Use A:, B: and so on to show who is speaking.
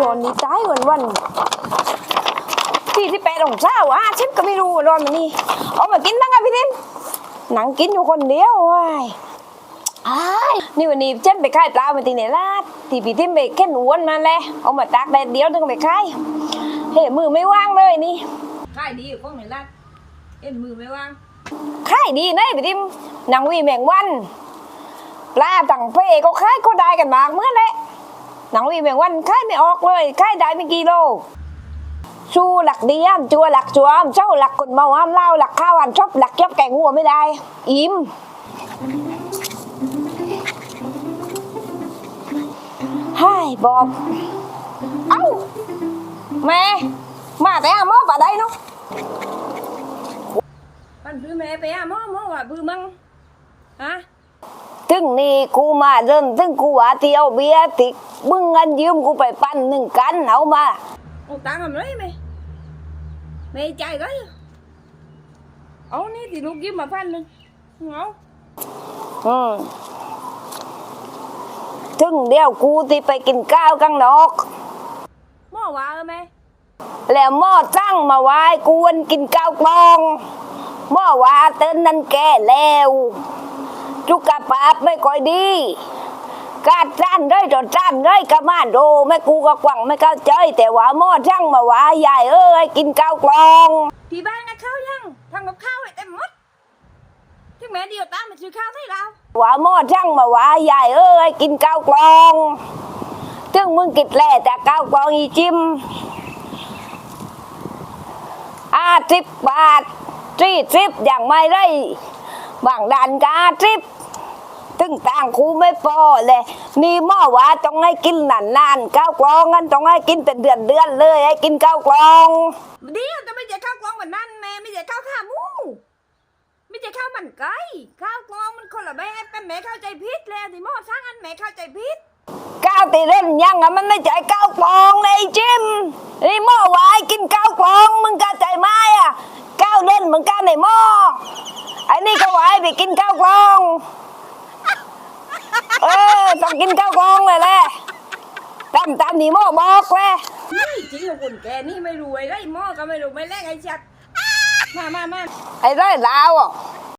A: อนนี้ตายวันที่8 องศาชิปก็ไม่รู้ร้อนมันนี่เอามากินตั้งไงพี่ทิมหนังกินอยู่คนเดียวว้ายนี่วันนี้ฉันไปขายปลามาที่ไหนล่ะที่พี่ทิมไปแค่หนวนมาแล้วเอามาตากแดดเดียวถึงไปขายเฮ้มือไม่ว่างเลยนี่ขายดีอยู่ก้องไหนล่ะมือไม่ว่างขายดีนะพี่ทิมหนังวีแมงวันปลาต่างเพก็ขายก็ได้กันมากเมื่อไรหนังวีแมงวันขายไม่ออกเลยขายได้ไม่กี่โลชูหลักดีมจัวหลักจัวมเจ้าหลักคนเมาอ้ามเล่าหลักข้าวอันชอบหลักยับแกงหัวไม่ได้อิ่มให้บอบเอ้าแม่มาแต่หม้อป่าได้เนาะมันคือแม่ไปหม้อว่าบื้อมั่งฮะถึงนี่กูมาเริ่มถึงกูว่าเที่ยวเบียร์ติมึงเงินยืมกูไปปั้น1 กันเอามาเอาตังค์ทำไรไหมไม่ใจก็เอานี่thìลูกยืมมา1,000เอาถึงเดียวกูที่ไปกินข้าวข้างนอกหม้อว่าไหมแล้วหม้อตั้งมาไว้กูวันกินข้าวกลองหม้อว่าเต้นนั่นแก่แล้วจุกกระปาบไม่ค่อยดีกาดจ้านได้จนจ้านได้กระมาโดไม่กูก็กวังไม่เข้าใจแต่ว่าหม้อช่างมาว่าใหญ่กินข้าวกลองที่บ้านนะข้าวยังทำกับข้าวให้เต็มหมดถึงแม่เดียวตามมาซื้อข้าวให้เราว่าหม้อช่างมาว่าใหญ่กินข้าวกลองถึงมึงกินแหล่แต่ข้าวกลองอีจิ้ม50 บาท40อย่างไม่ได้บางด่านกา10ถึงต่างครูไม่พอเลยนี่หม้อว่าต้องให้กินนานข้าวกลองงั้นต้องให้กินเป็นเดือนเลยให้กินข้าวกลองเดี๋ยวจะไม่ใช่ข้าวกลองแบบนั้นแม่ไม่ใช่ข้าวขาหมูไม่ใช่ข้าวมันไก่ข้าวกลองมันคนละแบบกันแม่เข้าใจผิดแล้วที่หม้อสร้างอันแม่เข้าใจผิดข้าวตีเล่นยังมันไม่ใช่ข้าวกลองเลยจิ้มนี่หม้อว่าให้กินข้าวกลองมึงเข้าใจไหมข้าวเล่นเหมือนกันในหม้อไอ้นี่ก็ว่าให้ไปกินข้าวกลองต้องกินข้าวกลองเลยแหละตามนี่หม้อบอกเลยจริงๆคนแกนี่ไม่รู้ไอ้ไรหม้อก็ไม่รู้ไม่แลกไอ้ชัดมาไอ้ไรลาว